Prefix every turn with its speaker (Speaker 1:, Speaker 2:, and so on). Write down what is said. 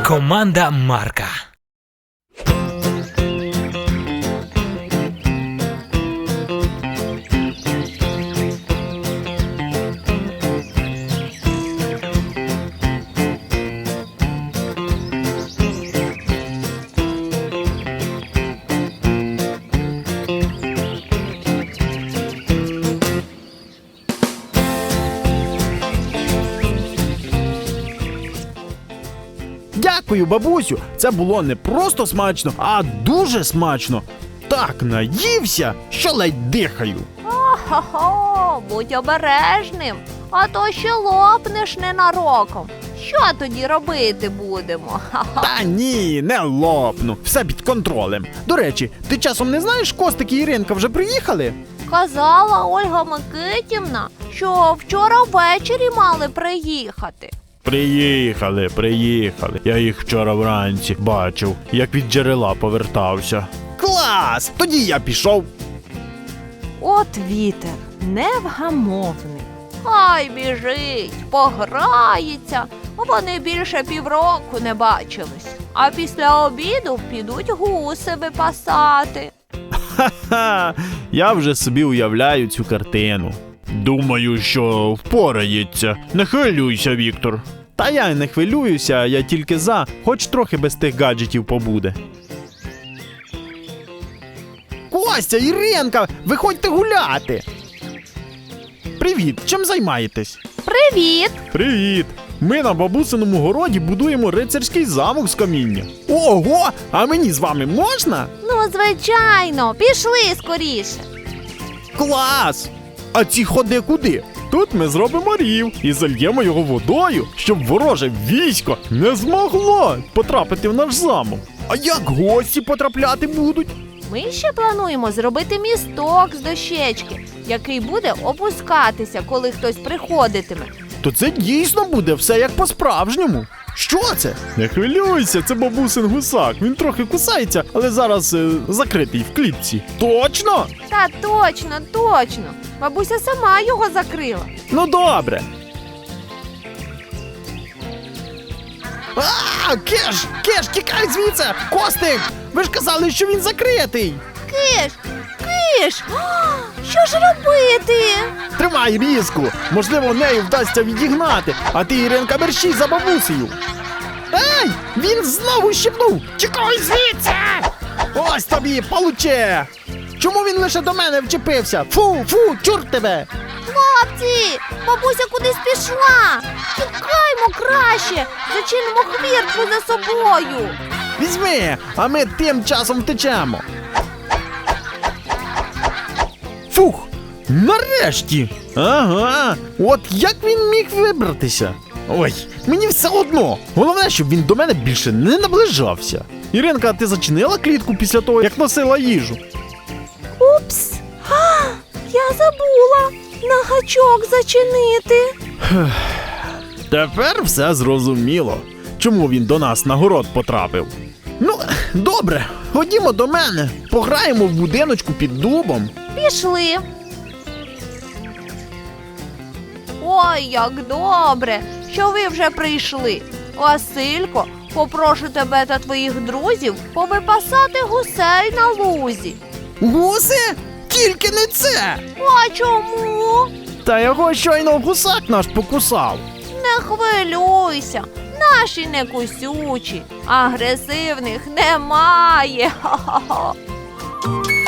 Speaker 1: Команда Марка.
Speaker 2: Дякую, бабусю, це було не просто смачно, а дуже смачно. Так наївся, що ледь дихаю.
Speaker 3: Хо-хо, будь обережним, а то ще лопнеш ненароком. Що тоді робити будемо?
Speaker 2: Та ні, не лопну, все під контролем. До речі, ти часом не знаєш, Костик і Іринка вже приїхали?
Speaker 3: Казала Ольга Микитівна, що вчора ввечері мали приїхати.
Speaker 2: Приїхали. Я їх вчора вранці бачив, як від джерела повертався. Клас! Тоді я пішов.
Speaker 3: От вітер, невгамовний. Хай біжить, пограється. Вони більше півроку не бачились. А після обіду підуть гуси випасати.
Speaker 2: Ха-ха, я вже собі уявляю цю картину. Думаю, що впорається. Не хвилюйся, Віктор. Та я й не хвилююся, я тільки за, хоч трохи без тих гаджетів побуде. Костя, Іринка, виходьте гуляти. Привіт, чим займаєтесь?
Speaker 3: Привіт!
Speaker 2: Привіт! Ми на бабусиному городі будуємо рицарський замок з каміння. Ого, а мені з вами можна?
Speaker 3: Ну, звичайно, пішли скоріше.
Speaker 2: Клас! А ці ходи куди? Тут ми зробимо рів і зальємо його водою, щоб вороже військо не змогло потрапити в наш замок. А як гості потрапляти будуть?
Speaker 3: Ми ще плануємо зробити місток з дощечки, який буде опускатися, коли хтось приходитиме.
Speaker 2: То це дійсно буде все як по-справжньому. Що це? Не хвилюйся, це бабусин гусак. Він трохи кусається, але зараз закритий в клітці. Точно?
Speaker 3: Та точно. Бабуся сама його закрила.
Speaker 2: Ну добре. Кеш, тікай звідси! Костик, ви ж казали, що він закритий.
Speaker 3: Киш! Що ж робити?
Speaker 2: Тримай різку, можливо, нею вдасться відігнати, а ти, Іринка, мерщій за бабусею. Ей, він знову щепнув! Тікай звідси! Ось тобі, получе! Чому він лише до мене вчепився? Фу, чур тебе!
Speaker 3: Хлопці, бабуся кудись пішла. Тікаймо краще, зачинимо хвіртку за собою.
Speaker 2: Візьми, а ми тим часом втечемо. Фух, нарешті! Ага, от як він міг вибратися? Ой, мені все одно. Головне, щоб він до мене більше не наближався. Іринка, ти зачинила клітку після того, як носила їжу?
Speaker 3: Упс, я забула на гачок зачинити.
Speaker 2: Тепер все зрозуміло, чому він до нас на город потрапив. Ну, добре, ходімо до мене, пограємо в будиночку під дубом.
Speaker 3: Пішли. Ой, як добре, що ви вже прийшли. Василько, попрошу тебе та твоїх друзів повипасати гусей на лузі.
Speaker 2: Гуси? Тільки не це!
Speaker 3: А чому?
Speaker 2: Та його щойно гусак наш покусав.
Speaker 3: Не хвилюйся, наші не кусючі, агресивних немає. Ха-ха-ха.